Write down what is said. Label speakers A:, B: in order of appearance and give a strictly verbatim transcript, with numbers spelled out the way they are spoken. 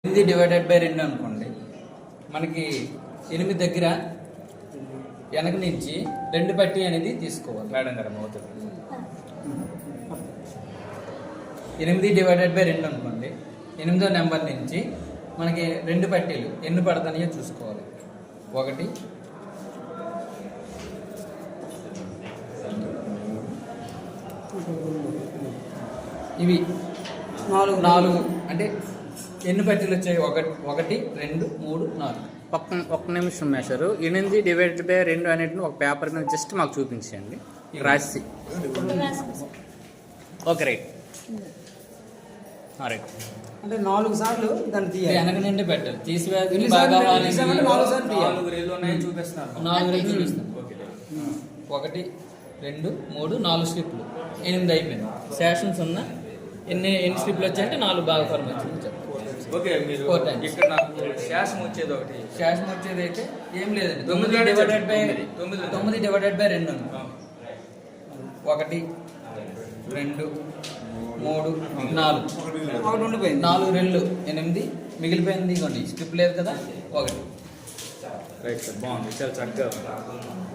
A: ఎనిమిది divided by రెండు అనుకోండి, మనకి ఎనిమిది దగ్గర వెనక నుంచి రెండు పట్టి అనేది తీసుకోవాలి. మేడం గారు అవుతుంది. ఎనిమిది డివైడెడ్ బై రెండు అనుకోండి, ఎనిమిదో నెంబర్ నుంచి మనకి రెండు పట్టీలు ఎన్ని పడతాయో చూసుకోవాలి. ఒకటి, ఇవి నాలుగు నాలుగు అంటే ఎన్ని పట్టీలు వచ్చాయి? ఒకటి ఒకటి రెండు మూడు నాలుగు.
B: ఒక్క ఒక్క నిమిషం మేషరు. ఎనిమిది డివైడెడ్ బై రెండు అనేటిని ఒక పేపర్ మీద జస్ట్ మాకు చూపించండి రాసి. ఓకే రైట్ రైట్
A: అంటే నాలుగు సార్లు దాన్ని తీయాలి. వెనక నుండి పెట్టాలి. తీసివేసి
C: నాలుగు రేళ్ళు ఉన్నాయి చూపిస్తున్నాను.
A: నాలుగు రేళ్ళు చూపిస్తాను. ఒకటి రెండు మూడు నాలుగు స్లిప్లు, ఎనిమిది అయిపోయింది. సెషన్స్ ఉన్న ఎన్ని ఎన్ని స్లిప్లు వచ్చాయంటే నాలుగు బాగా ఫార్మ్ వచ్చింది.
C: ఓకే, మీరు ఇక్కడ నాకు శాసం వచ్చేది ఒకటి.
A: శాసం వచ్చేది అయితే ఏం లేదండి. తొమ్మిది డివైడెడ్ బై తొమ్మిది తొమ్మిది డివైడెడ్ బై రెండు. ఒకటి రెండు మూడు నాలుగు, ఒకటి ఉండిపోయింది. నాలుగు రెండు ఎనిమిది మిగిలిపోయింది. ఇవ్వండి స్లిప్ లేదు కదా. ఒకటి
C: రైట్ సార్, బాగుంది, చాలా చక్కగా.